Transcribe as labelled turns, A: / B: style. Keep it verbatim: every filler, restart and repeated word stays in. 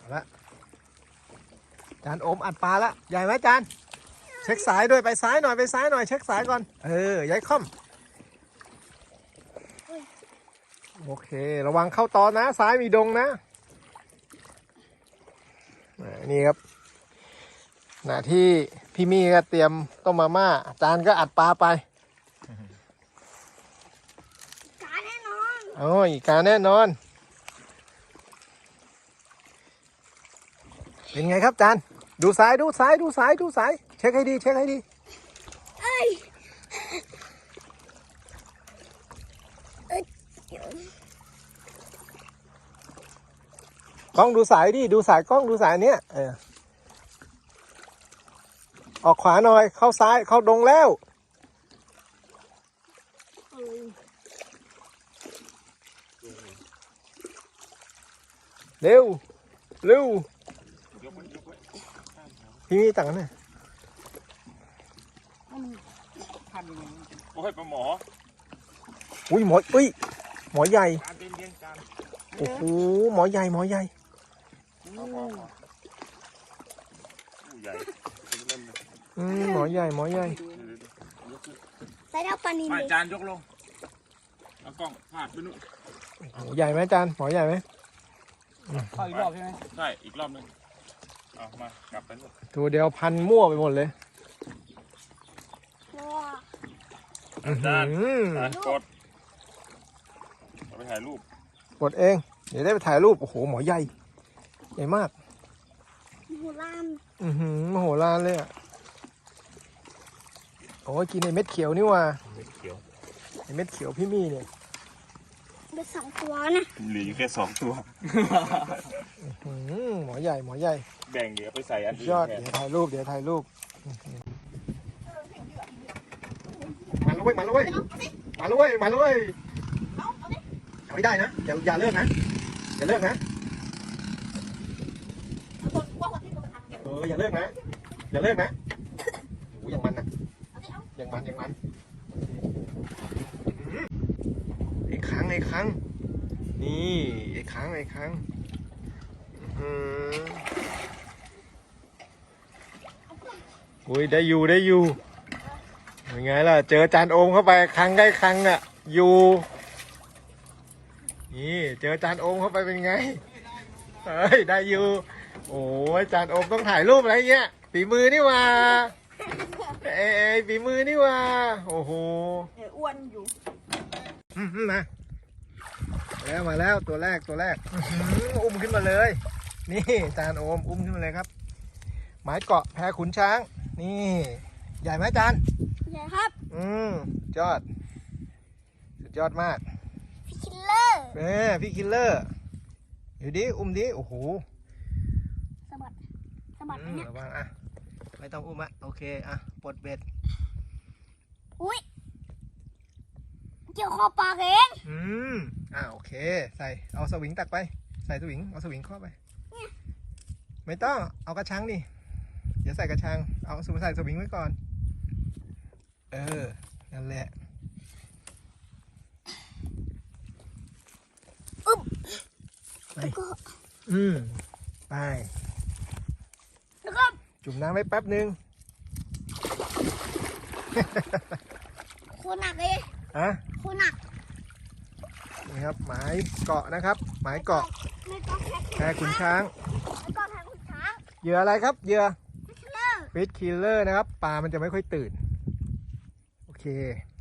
A: เอาละจานโอมอัดปลาละใหญ่ไหมจานเช็คสายด้วยไปซ้ายหน่อยไปซ้ายหน่อยเช็คสายก่อนเออย้ายค่อมโอเคระวังเข้าตอนนะซ้ายมีดงนะนี่ครับหน้าที่พี่มี่ก็เตรียมต้มมาม่าจานก็อัดปลาไป
B: กาแน่นอน
A: โอ้ยกาแน่นอนเป็นไงครับจานดูซ้ายดูซ้ายดูซ้ายดูซ้ายเช็คให้ดีเช็คให้ดี
B: เอ้ยเอ้ย
A: กล้องดูสายดิดูสายกล้องดูสายเนี้ยเออออกขวาหน่อยเข้าซ้ายเข้าดงแล้วเร็วเร็วพี่มีตังค์เนี่ย
C: โอ้ยปลาหมอ
A: อุ้ยหมออุ้ยหมอใหญ่
C: จานเย็นๆจาน
A: โอ้โหหมอใหญ่หมอใหญ่
C: ผู้ใหญ่
A: อืมหมอใหญ่หมอใหญ่
B: ใส่เอาปลานิล
C: จานยกลงเอากล้องพาดไปนู่น
A: ใหญ่ไหมจานหมอใหญ่ไหม
D: เข้าอีกรอบใช่ไหม
C: ใช่อีกรอบนึงเอามากลับไปนู่น
A: ตัวเดียวพันมั่วไปหมดเลย
C: จานกดเอาไปถ่ายรูป
A: กดเองเดี๋ยวได้ไปถ่ายรูปโอ้โหหมอใหญ่ใหญ่มาก
B: มโหฬาร
A: อือหือมโหฬารเลยอ่ะโอ้ยกินไอเม็ดเขียวนี่ว่า
C: เม็ดเขียว
A: ไอเม็ดเขียวพี่มี่เนี่ย
B: เป็นสองตัวนะ
C: เหลืออยู่แค่สองตัว
A: หมอใหญ่หมอใหญ่
C: แบ่งเดี๋ยวไปใส่อันอื่น
A: ยอดเดี๋ยวถ่ายรูปเดี๋ยวถ่ายรูปมาเลยมาเลยมาเลยมาเลยเอาไม่ได้นะอย่าอย่าเลิกนะอย่าเลิกนะเอออย่าเลิกนะอย่าเลิกนะโอ้ยอย่างมันนะอย่างมันอย่างมันไอ้ครั้งไอ้ครั้งนี่ไอ้ครั้งไอ้ครั้งอุ้ยได้อยู่ได้อยู่ยังไงล่ะเจอจานโอมเข้าไปครั้งได้ครั้งอ่ะอยู่นี่เจอจานโอมเข้าไปเป็นไงเฮ้ยได้อยู่โอ้ยจานโอมต้องถ่ายรูปอะไรเงี้ยฝีมือนี่ว่าเอ้ยฝีมือนี่ว่าโอ้โห
B: อ้วนอยู่
A: มาแล้วมาแล้วตัวแรกตัวแรกอุ้มขึ้นมาเลยนี่จานโอมอุ้มขึ้นมาเลยครับหมายเกาะแพขุนช้างนี่ใหญ่ไหมจาน
B: ใหญ่ครับ
A: อืมยอดสุดยอดมาก
B: พี่คิลเลอร์
A: เออพี่คิลเลอร์อยู่ดิอุ้มดิโอ้โห
B: สะบัดสะบัดเนี่ย
A: ระวังอ่ะไม่ต้องอุ้มอ่ะโอเคอ่ะปลดเบ็ด
B: อุ้ยเกี่ยวคอปลาเอง
A: อืมอ่ะโอเคใส่เอาสวิงตักไปใส่สวิงเอาสวิงข้อไปไม่ต้องเอากระชังดิเดี๋ยวใส่กระชังเอาสวิงใส่สวิงไว้ก่อนเออนั่นแหละ
B: อึ๊บ
A: ไปอืมไป
B: แล้วก็
A: จุ่มน้ำไว้แป๊บนึง
B: โคหนักเลย
A: ฮะ
B: โคหนัก
A: นี่ครับหมายเกาะนะครับหมายเกาะแพขุนช้างเหยื่ออะไรครับเหยื่อฟิชคิลเลอร์นะครับปลามันจะไม่ค่อยตื่นโอเค